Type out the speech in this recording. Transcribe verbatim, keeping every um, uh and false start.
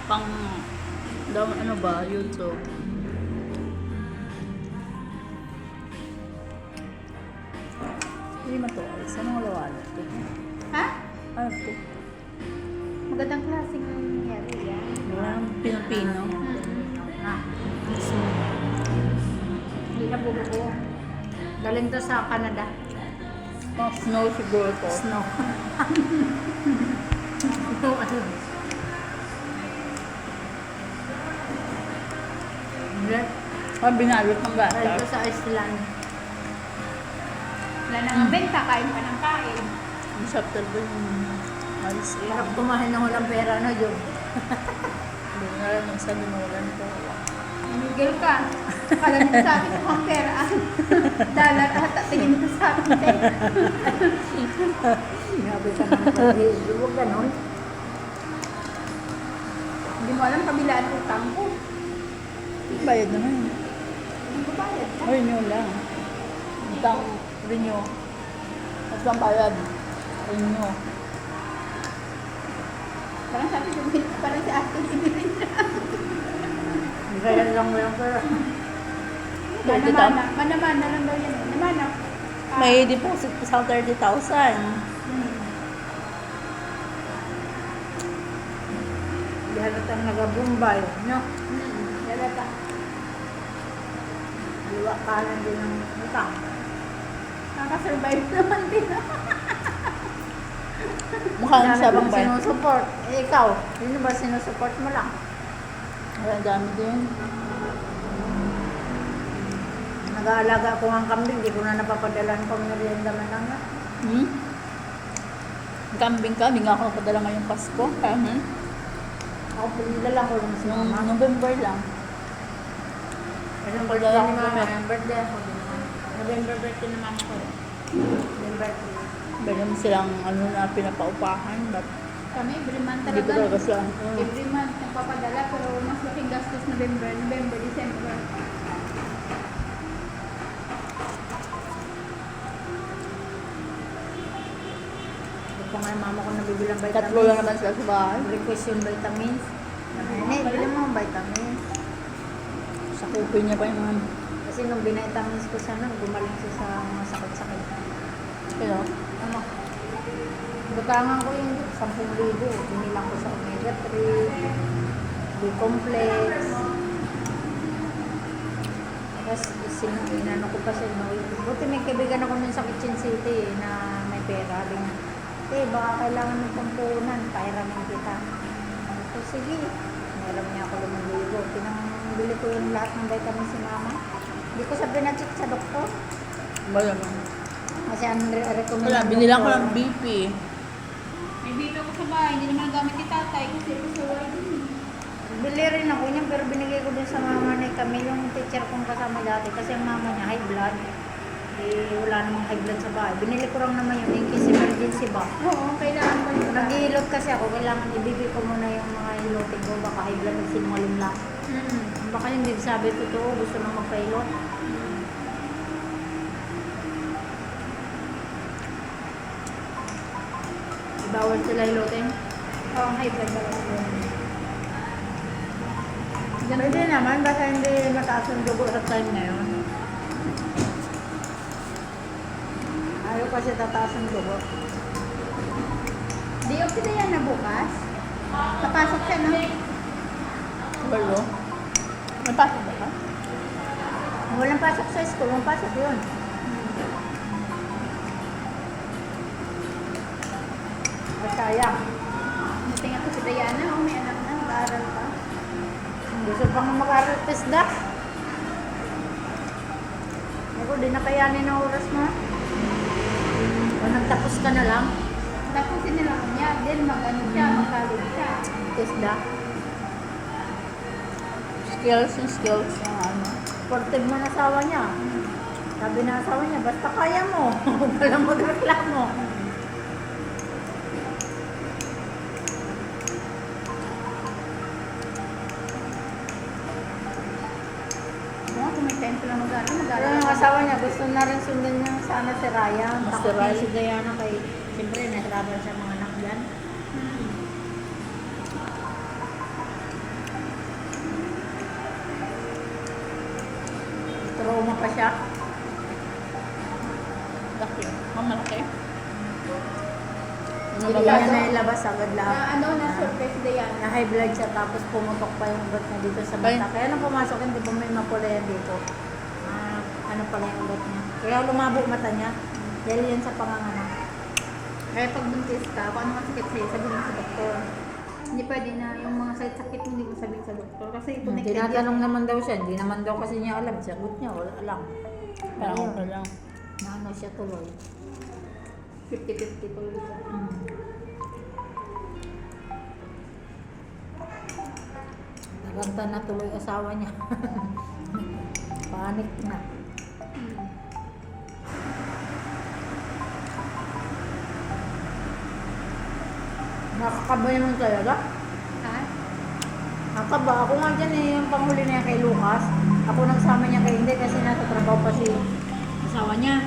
pang, dam, ano ba, YouTube. Hindi matuwa. Saan ang lawala? Ha? Ano ito? Magandang klaseng nangyari yan. Walang Pilipino. Ah, hindi na bubuo. Galing to sa Canada. Pang snow siguro to. Snow. Snow ano? Hindi. Ah, binalot ng Galing bata. to sa Iceland. Wala na nga benta, kain pa ng kain. Ang sarap talaga yung alis eh. Hirap kumain ng walang pera na yun. Hindi na lang nung sabi mo wala nito. Miguel ka. Kala nito sa akin kung ang pera. Dollar ata, tingin mo sa akin. Grabe ka naman pati. Huwag ganon. Hindi mo alam kabilaan utang ko. Bayad naman. Hindi ko bayad ka. Renew lang. Utang renew. Tapos lang bayad. Renew. Parang sabi ko, parang si ate ibigay na. Bayad lang mo yung pera. Manamana. Manamana lang daw yan. Manamana. Ah, May deposit pa sa thirty thousand. hmm. Di halatang nag-Bombay, no? Hmm. Halata. Liwa kanan din ng utang. Nakasurvive naman din. Mukha na sa bang Bombay. sinusupport? Eh, ikaw, sino ba sinusupport mo lang? Ang dami din. Nag-aalaga ko ng kambing, di ko na napapadalan pang merienda man lang na. Hmm? Kambing ka, hindi nga ako napadala ngayong Pasko. Kaya, hmm? Ako pinilala ko lang si Nung mama. November lang. Anong Padala birthday ko ni mama? kami. Anong birthday ako din naman. November birthday ni mama ko. November birthday. Meron silang ano na pinapaupahan. But Kami, every month hindi ko talaga. talaga siya. Hmm. Every month nagpapadala, pero mas laking gastos November, November, December. Hindi pa nga yung mama ko nabibilang vitamins. Tatlo lang naman sila sa bahay. Request yung vitamins. Nene, bili mo ang vitamins. Sakupin niya pa yung mga Kasi nung binitamins ko siya nun, gumaling siya sa mga sakit-sakit. Pero, Ano? Butangan ko yung sampung libo. Binilang ko sa omega three, B-complex. Tapos, sin- inano ko pa siya. No? Buti may kaibigan ako nun sa Kitchen City eh, na may pera. Sabi niya, eh, baka kailangan ng pampunan. Pairamin kita. So, sige. Meron niya ako limang libo. Pinangbili ko yung lahat ng vitamin si mama. Hindi ko sabi na-check sa doktor. wala naman. Kasi ang re- recommend Wala, ng binilang ko doktor, ng B P. may bito ko sa bahay, hindi naman gamit ni tatay kasi ito sa wala din. Bili rin ako niyan pero binigay ko din sa mama ni Camille, yung teacher kong kasama dati kasi ang mama niya high blood. Eh, wala namang high blood sa bahay. Binili ko lang naman yun in case emergency ba. Oo, kailangan ba yun? Nag-iilot kasi ako, kailangan ibibig ko muna yung mga ilotin ko, baka high blood at sinungaling lang. Mm. Baka hindi sabi totoo, gusto nang magpailot. Bawal sila ilotin? Oo, high blood bawal sila. Pwede naman, basta hindi mataas ang dugo sa time na yun. Ayaw kasi tataas ang dugo. Di okay na yan na bukas. Papasok siya, no? Walo. May pasok ba ka? Walang pasok sa school, walang pasok yun. Sayang. Natingnan ko si Diana, oh, may anak na, mag-aaral pa. Gusto pang mag-aaral test da. Ako, di na kayanin ang oras mo. O nagtapos ka na lang. Tapusin nila ko niya, then mag-ano siya, mag-college siya. Test da. Skills yung skills ng ano. Supportive mo na asawa niya. Sabi na asawa niya, basta kaya mo. Huwag ka lang magreklamo. Oo, kung may time ko lang mag-aaral, mag-aaral. Pero yung asawa niya, gusto na rin sundan niya sana si Ryan. Mas Takot si niya Ryan. si Diana kay, siyempre, nahirapan siya mga anak dyan. siya. Laki. Mamalaki. Hindi niya nailabas agad lahat. Na ano, na surface na yan. Na high blood siya tapos pumutok pa yung ugat niya dito sa Ay. mata. Kaya nung pumasok, hindi ba may mapula yan dito? Ah, ano pala yung ugat niya. Kaya lumabo mata niya. Dahil yan sa panganganak. Kaya pag buntis ka, kung ano masakit sa'yo, sabihin mo sa doktor. Hindi pwede na yung mga sakit-sakit mo, hindi mo sabihin sa doktor. Kasi Hmm, connected tinatanong naman daw siya. Hindi naman daw kasi niya alam. Sagot niya, wala alam. Parang Ayun. ako lang. Na ano siya tuloy. fifty-fifty po yun. Hmm. Naganta na tuloy asawa niya. Panik na. Nakakaba naman talaga. Ha? Nakakaba. Ako nga dyan eh, yung panghuli na yan kay Lucas. Ako nagsama niya kay hindi kasi